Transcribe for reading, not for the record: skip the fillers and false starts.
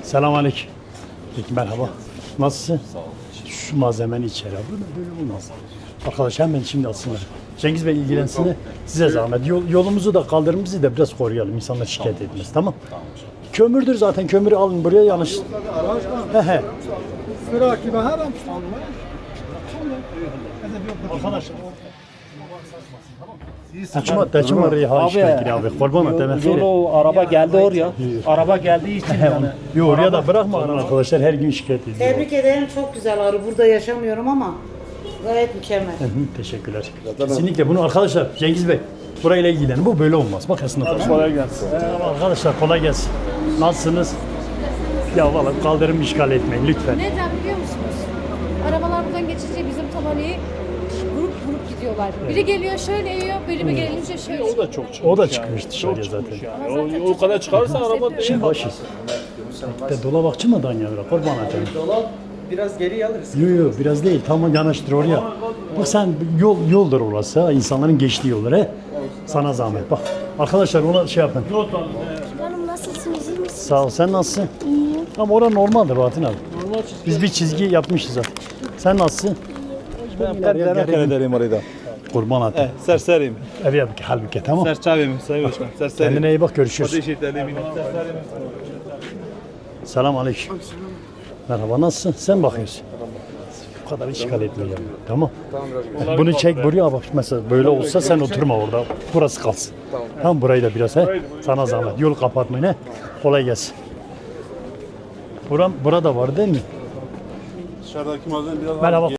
Selamünaleyküm. Peki merhaba. Nasılsın? Sağ ol. Şu malzemeni içeri al. Böyle olmaz. Arkadaş hemen şimdi alsınlar. Cengiz Bey ilgilensin de size zahmet. Yolumuzu da kaldırımımızı da biraz koruyalım. İnsanlar şikayet etmez. Tamam. Kömürdür zaten. Kömürü alın buraya yanlış. He. Arkadaşlar. Taçım var ya abi. Kurban et demek. Yolu araba geldi oraya. Araba geldiği için yani. Yok oraya da bırakma arkadaşlar her gün şikayet ediyor. Tebrik ederim. Çok güzel arı. Burada yaşamıyorum ama gayet mükemmel. Teşekkürler. Kesinlikle bunu arkadaşlar Cengiz Bey burayla ilgilenin. Bu böyle olmaz. Bak esnaf. Kolay gelsin. Arkadaşlar kolay gelsin. Nasılsınız? Ya valla kaldırım işgal etmeyin lütfen. Neden biliyor musunuz? Arabalar buradan geçince bizim tabanayı grup gidiyorlar. Biri geliyor şöyle yiyor, biri gelince şöyle. O da çok çıkmış. O da çıkmış dışarıya zaten. Yani. O kadar çıkarsa araba Şimdi başı. De dolabakçı mı dan yavru? Kurban atayım. Dolap biraz geri alırız. Yok biraz değil. Tam yanaştır oraya. Bak sen yoldur orası ha. İnsanların geçtiği yollar he. Sana zahmet bak. Arkadaşlar ona şey yapın. Hanım nasılsınız? İyi misiniz? Sağ ol. Sen nasılsın? İyiyim. Ama orada normaldir Bahattin abi. Biz bir çizgi yapmışız zaten. Sen nasılsın? Ben demek ederim orada. Kurban atayım. Serseriyim. Ev yap halbuki tamam. Serçavim sayın başkan. Serseriyim. Kendine iyi bak görüşürüz. Eşitlerim. Selamünaleyküm. Merhaba nasılsın? Sen bakıyorsun. Bu kadar işgal etme ya. Tamam. Bunu çek buraya bak mesela böyle olsa sen oturma orada. Burası kalsın. Tamam burayı da biraz he. Sana zahmet. Yol kapatmayın he. Kolay gelsin. Burada var değil mi? Dışarıdaki malzeme biraz Merhaba.